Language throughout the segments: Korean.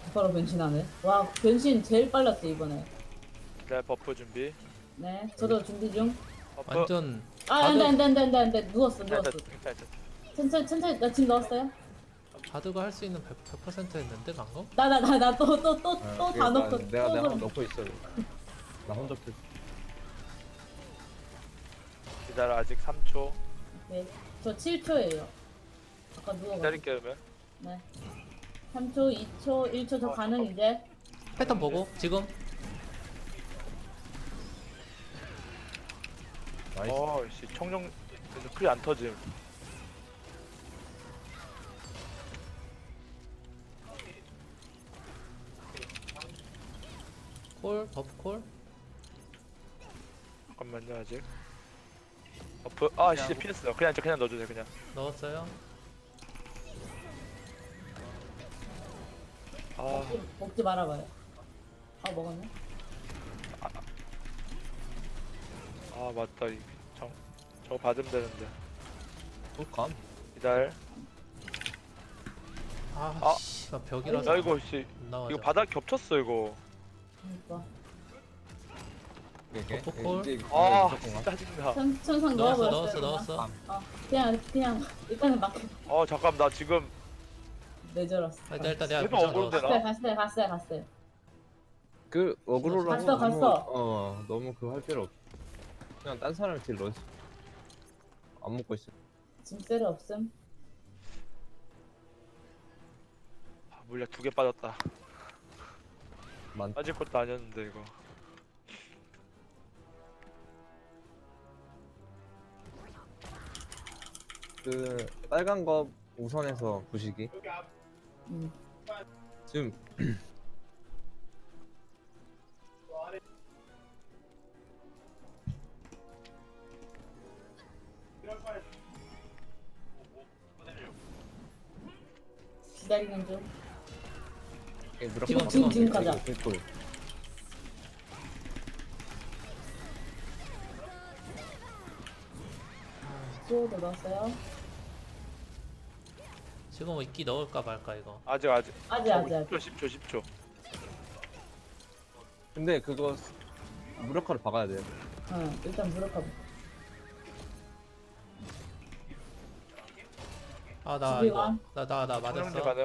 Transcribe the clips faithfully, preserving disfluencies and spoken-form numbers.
바로 변신하네. 와, 변신 제일 빨랐어, 이번에. 네, 버프 준비. 네, 저도 준비 중. 버프. 완전 아, 안 돼, 바드 안 돼, 안 돼, 안 돼, 안 돼. 누웠어, 괜찮아, 누웠어. 괜찮아, 괜찮아. 천천히, 천천히, 나 지금 넣었어요? 바드가 할 수 있는 백 퍼센트 했는데 방금? 나, 나, 나, 나 또, 또, 또, 아, 또 이거 다 나- 넣고, 내가 또 내가 그럼. 넣고 있어. 나 혼자 킬. 기다려, 아직 삼 초. 네, 저 칠 초예요. 아까 누워가지고. 기다릴게, 그러면. 네. 삼 초, 이 초, 일 초 저 가능 이제. 패턴 보고 지금 나이스. 어, 씨, 청룡, 그래서 크리 안 터짐. 콜 버프 콜. 잠깐만요, 아직. 버프, 아, 씨, 피했어. 그냥, 그냥 넣어주세요, 그냥. 넣었어요. 아, 먹지, 먹지 말아봐요. 아, 먹었네. 아, 맞다. 이, 정, 저거 받으면 되는데. 꿀감. 기다려. 아, 아. 씨, 나 벽이라서 야, 이거, 씨, 안 나와져. 이거 바닥 겹쳤어, 이거. 그러니까. 이게 버프 콜. 이제 아, 무조건 가. 짜증나. 천, 천상 넣었어 넣어버렸어요. 넣었어 그냥. 넣었어. 어, 그냥, 그냥, 일단은 막 어, 잠깐, 나 지금 내절었어. 아, 일단 일단 내가 해도 무장 억울한데, 넣었어. 나? 갔어요, 갔어요, 갔어요, 갔어요. 그 어그로라고 갔어, 너무- 갔어. 어 너무 그거 할 필요 없어. 그냥 딴 사람 딜 넣지. 안 먹고 있어. 지금 셀 없음. 아, 물약 두 개 빠졌다. 만. 빠질 것도 아니었는데, 이거. 그 빨간 거 우선해서 부시기. 음. 지금 기다리는 중. 이게 무조건 지금, 지금, 지금 가자. 가자. 꿀꿀. 수호도 넣었어요. 지금 뭐 이끼 넣을까 말까 이거. 아직, 아직. 아직, 아직, 아직. 십 초, 십 초. 근데 그거 무력화를 박아야 돼요. 응, 일단 무력화. 아 나 집에 이거 와. 나 나 나 청룡제 맞았어. 가능.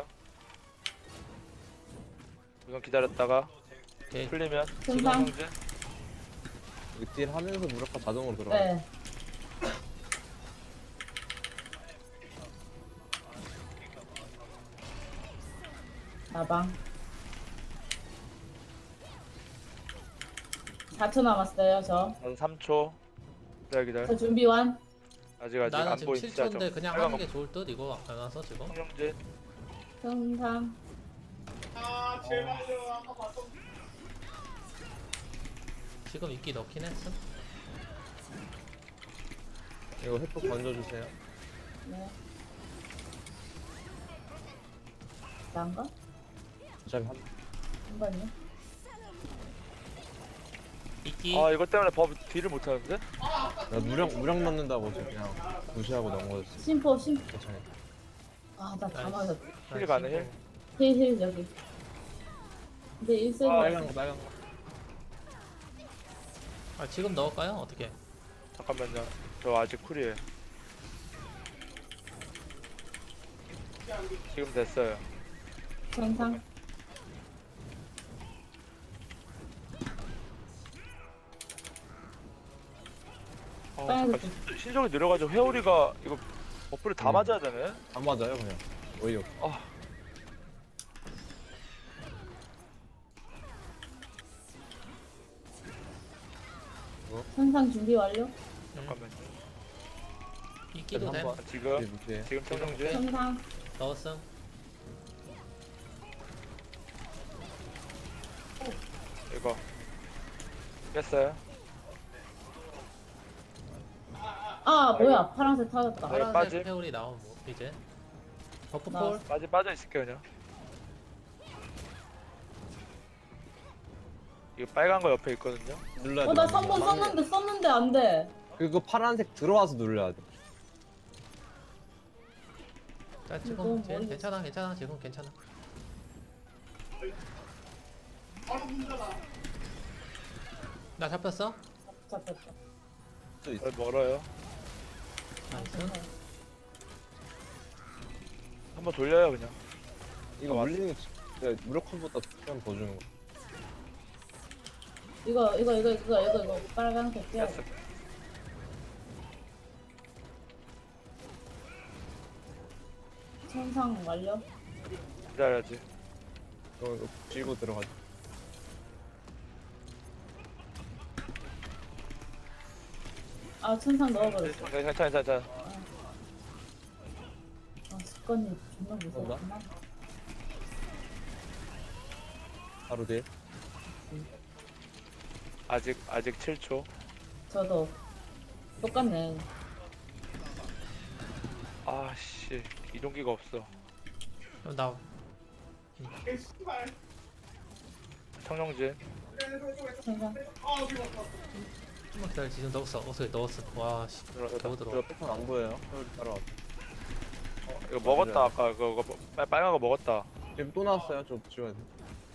우선 기다렸다가 오케이. 풀리면 천상. 청룡제. 이거 딜 하면서 무력화 자동으로 들어가. 네. 나방. 사 초 남았어요, 저. 한 삼 초. 기다려, 기다려. 저 준비 완. 아직, 아직 나는 안 지금 보인 칠 진짜 초인데 좀. 그냥 빨간 하는 게 거. 좋을 듯 이거 안 와서 지금. 청룡제. 천상. 지금 이끼 넣긴 했음. 이거 햇볕 던져주세요. 네. 난가? 어차피 한 한 번요? 이끼. 아, 이것 때문에 법 딜을 못 하는데? 나 무력 무력 넣는다고 지금 그냥 무시하고 넘어졌어. 심포, 심. 괜찮아. 아, 나 다 나이스. 맞았다. 힐 가능, 힐? 힐, 힐, 여기. 근데 일세 아, 빨간 거 빨간 거. 아 지금 넣을까요? 어떻게? 잠깐만요. 저 아직 쿨이에요. 지금 됐어요. 천상. 어, 빨간 잠깐 신- 신속이 느려가지고 회오리가 이거 버프를 다 음. 맞아야 되네? 안 맞아요 그냥. 어이없. 아, 천상 준비 완료. 잠깐만요. 이끼도 돼. 한번 아, 지금, 딜 무시해. 지금 청룡제. 천상. 넣었음. 이거. 깼어요. 아, 뭐야. 파란색 타졌다. 네, 빠짐. 파란색 회오리 나오고 이제. 버프 나- 콜. 빠져, 빠져 있을게요, 그냥. 이거 빨간 거 옆에 있거든요. 눌러야 어, 나 돼. 삼 번 썼는데, 썼는데 안 돼. 그거 파란색 들어와서 눌러야 돼. 자 너무 지금 쟤 멀리 괜찮아 괜찮아 지금 괜찮아. 나 잡혔어? 잡혔다. 수 있어. 어, 멀어요. 나이스. 한번 돌려요 그냥. 이거 물리는 게 진짜 무력화보다 시간 더 주는 거. 이거 이거 이거 이거 이거 이거 빨간색 떼야 됐어. 돼. 천상 완료. 기다려야지. 이거 이거 쥐고 들어가자. 아 천상 넣어버렸어. 괜찮아 괜찮아 괜찮아. 아 습관이 존나 무서웠구나. 바로 돼. 아직 아직 칠 초. 저도 똑같네. 아씨 이동기가 없어. 그럼 나 청룡진. 천상. 좀만 기다려. 지금 넣었어. 어서 넣었어. 와 씨. 들어가다. 겨우 저 들어. 패턴 안 보여요. 서울 따라와. 이거 먹었다 아까 그거, 그거 빨- 빨간 거 먹었다. 지금 또 나왔어요. 좀 지워야 돼.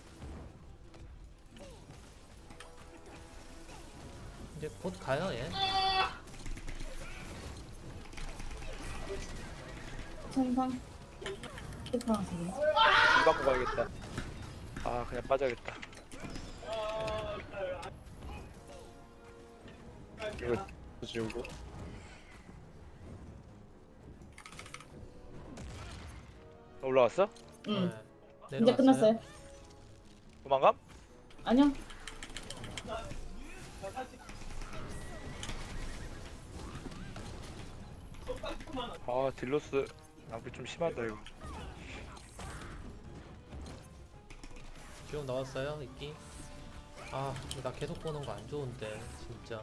이제 곧 가요 얘. 천상. 파란색이네. 이 받고 가야겠다. 아 그냥 빠져야겠다. 이거 지우고. 올라왔어? 응. 네, 이제 내려왔어요. 끝났어요. 도망감? 아니요. 아 딜로스 낭비 좀 심하다 이거. 지금 넣었어요 이끼. 아, 나 계속 보는 거 안 좋은데 진짜.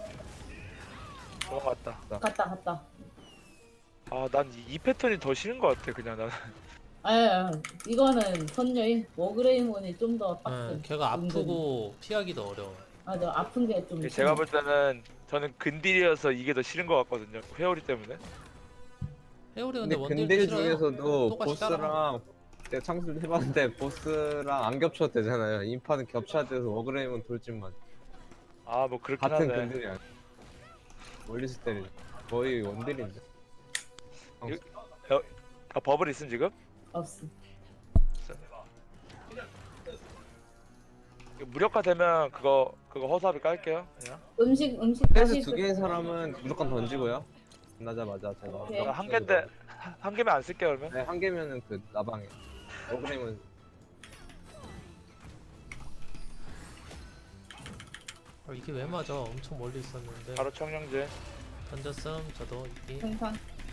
넘어갔다. 갔다 갔다. 아 난 이 패턴이 더 싫은 것 같아 그냥 나는. 아 이거는 선녀인 워그레이몬이 좀 더 응, 빡세. 걔가 아프고 피하기도 어려워. 아저 아픈 게 좀. 제가 볼 때는 저는 근딜이어서 이게 더 싫은 것 같거든요. 회오리 때문에. 해오리 근데 근데 원딜도 근딜 싫어요. 중에서도 똑같이 따라가. 보스랑 제가 창술 해봤는데 보스랑 안 겹쳐도 되잖아요. 인파는 겹쳐야 돼서 워그레임은 돌진만. 아 뭐 그렇긴 같은 하네. 근딜이 아니야. 멀리서 때리. 거의 원딜인데. 다 버블 있음 지금? 없어. 이거 무력화 되면 그거 그거 허수아비 깔게요 그냥. 음식 음식 패스 다시 두 개인 사람은 무조건 던지고요. 끝나자마자 제가. 오케이. 한 개인데 한 개면 안 쓸게요 그러면. 네, 한 개면은 그 나방에. 워그레임은 아, 이게 왜 맞아? 엄청 멀리 있었는데. 바로 청룡제. 던졌음. 저도 이끼. 천상.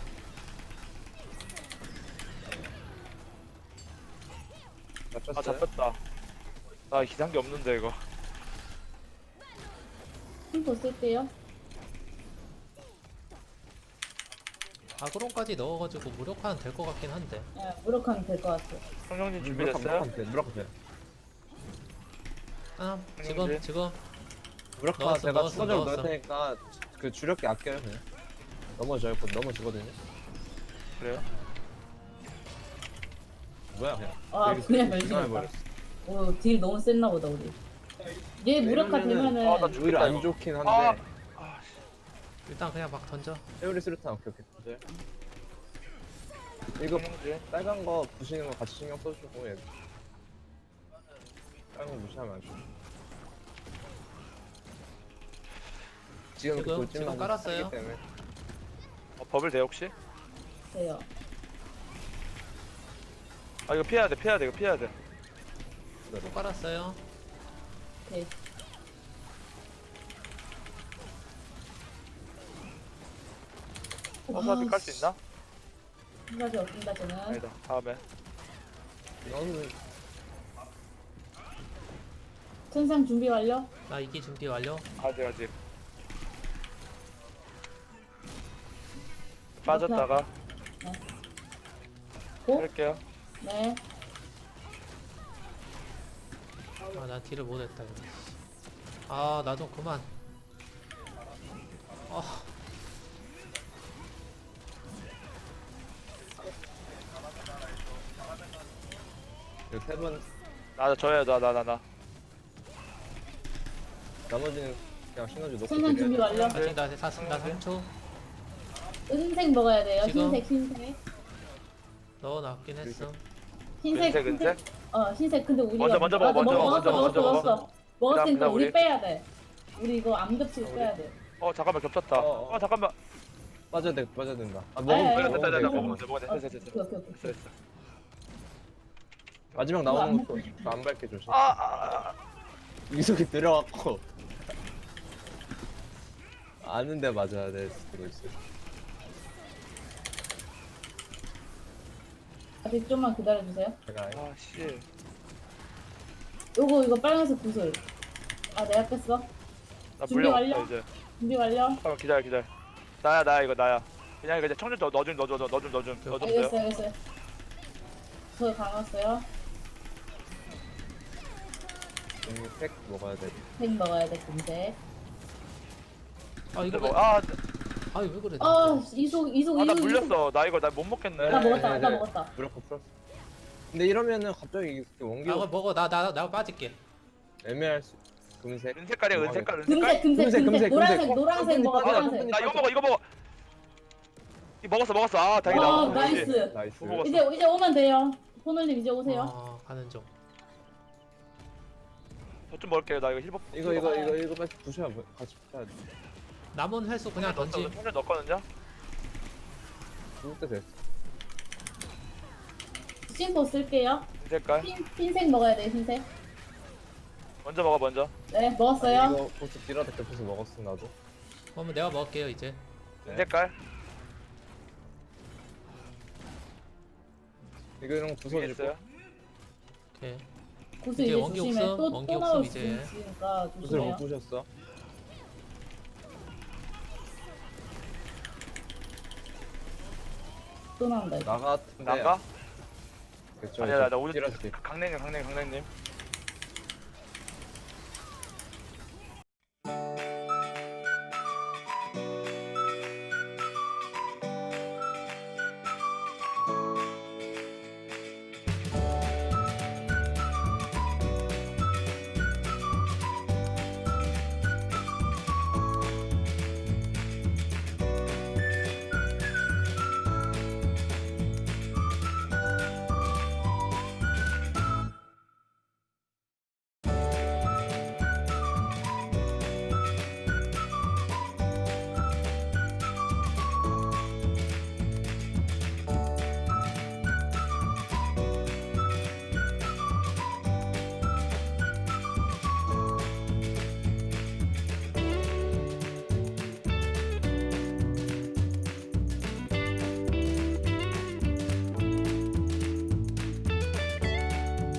아 잡혔어요. 잡혔다. 아 기상기 없는데 이거. 힘도 쓸 때요. 아그론까지 넣어가지고 무력화는 될 것 같긴 한데. 예, 무력하면 될 것 같아. 청룡진 무력화 준비됐어요? 무력화 돼. 무력화 돼. 아, 그냥 지금 이제- 지금 무력화 넣었어, 제가 넣었어, 추가적으로 넣었어. 넣을 테니까 그 주력기 아껴요 그냥. 넘어져요. 곧 넘어지거든요. 그래요? 뭐야 그냥. 아 되게 그냥 기가 변신했다. 막혀버렸어. 오딜 너무 셌나 보다 우리. 얘 무력화 이러면은- 되면은 아, 나 오히려 죽겠다, 안 이거. 좋긴 아, 한데 아 씨. 일단 그냥 막 던져. 세월이 수류탄 오케이 오케이. 이거 청룡진. 빨간 거 부시는 거 같이 신경 써주고 얘. 빨간 거 무시하면 안 돼. 지금 그 지금 돌진만 지금 깔았어요. 하기 때문에. 어, 버블 돼 혹시? 돼요. 아 이거 피해야 돼 피해야 돼 이거 피해야 돼. 또 깔았어요. 오케이. 허수아비 깔 수 있나? 한 가지 없습니다 저는. 아니다 다음에. 너는 천상 준비 완료. 나 이끼 준비 완료. 아직 아직. 빠졌다가 고. 할게요. 네. 아, 나 딜을 못했다 이거. 아, 나 좀 그만. 아, 세번 나 저야 나 나 나 나. 나머지는 그냥 시너지 놓고 생선 준비 딜해야 완료. 아직 나 샀습니다. 삼 초. 흰색 먹어야 돼요. 지금? 흰색, 흰색. 넣어놨긴 했어. 흰색, 은색, 은색? 어, 흰색. 근데 우리가 먼저, 먼저 먹어, 맞아, 먼저 먹어, 먹었어, 먼저 먹었어, 먹어, 먹었어. 먼저 먹었으니까 그다음 우리 우리. 빼야 돼. 우리 이거 안 겹치고 우리. 빼야 돼. 어 잠깐만 겹쳤다. 어, 어. 어 잠깐만. 빠져야 돼 빠져야 된다 아 아니, 먹으면 아니, 돼, 됐다 됐다 먹으면 돼, 됐다 먹어. 먹으면 돼 먹으면 돼. 됐어 됐어 됐어. 오케이, 오케이, 오케이. 됐어 됐어. 마지막 이거 안 나오는 것도 안 밟게 조심 아, 아, 아. 이속이 들어갔고 아는데 맞아야 될 수도 있어 아직 좀만 기다려주세요. 제가 아 씨. 요거, 이거 빨간색 구슬. 아, 내가 뺐어. 나 준비 물량 완료? 없어 이제. 준비 완료. 잠깐 기다려 기다려. 나야 나야 이거 나야. 그냥 이거 이제 청주 넣어 좀 넣어 줘 넣어 좀 넣어 좀 넣어 좀 알겠어요, 돼요. 알겠어요. 저 감았어요. 색 먹어야 돼 색 먹어야 돼, 금색. 아 이거 뭐, 왜- 아, 아 왜 그래? 아, 이속, 이속, 아, 나 이속. 물렸어. 나 이거 나 못 먹겠네. 나 네, 먹었다, 네, 나 네. 먹었다. 무조건 풀었어 근데 이러면은 갑자기 이게 아 원기 이거 먹어. 나 나 나 빠질게. 애매할 수 금색 은색깔이야 뭐 은색깔 금색, 은색깔. 금색, 금색, 금색, 금색, 노란색, 금색. 노란색 먹어, 어, 노란색. 나 이거 먹어 이거 먹어. 이 먹었어 먹었어. 아 다행이다. 와, 어, 나이스. 나이스 뭐 먹었어? 이제, 이제 오면 돼요. 손올림 이제 오세요. 아 가는 중. 저좀 먹을게요. 나 이거 힐법. 이거 이거 이거 이거 빨리 부셔야 뭐- 같이 부셔야 돼 남은 횟수 그냥 던지. 청주 넣었거든요. 죽을 때 됐어 심포 쓸게요. 은색깔. 흰, 흰색 먹어야 돼요, 흰색. 먼저 먹어 먼저. 네, 아니, 먹었어요. 이거 보스 딜하다 겹쳐서 먹었어 나도 그러면 내가 먹을게요 이제. 네. 은색깔. 이거 이런 거 부서질 있어요. 거 오케이. 구슬 이제 이제 원기 조심해. 없음, 또, 원기 또 없음, 나올 수 이제. 있으니까 부스를 못 조심해요. 부셨어 또 나온다, 이거. 나 같은데 난가? 그쵸 아니야 나, 나 오늘 딜하지 강냉님 강냉님 강냉님.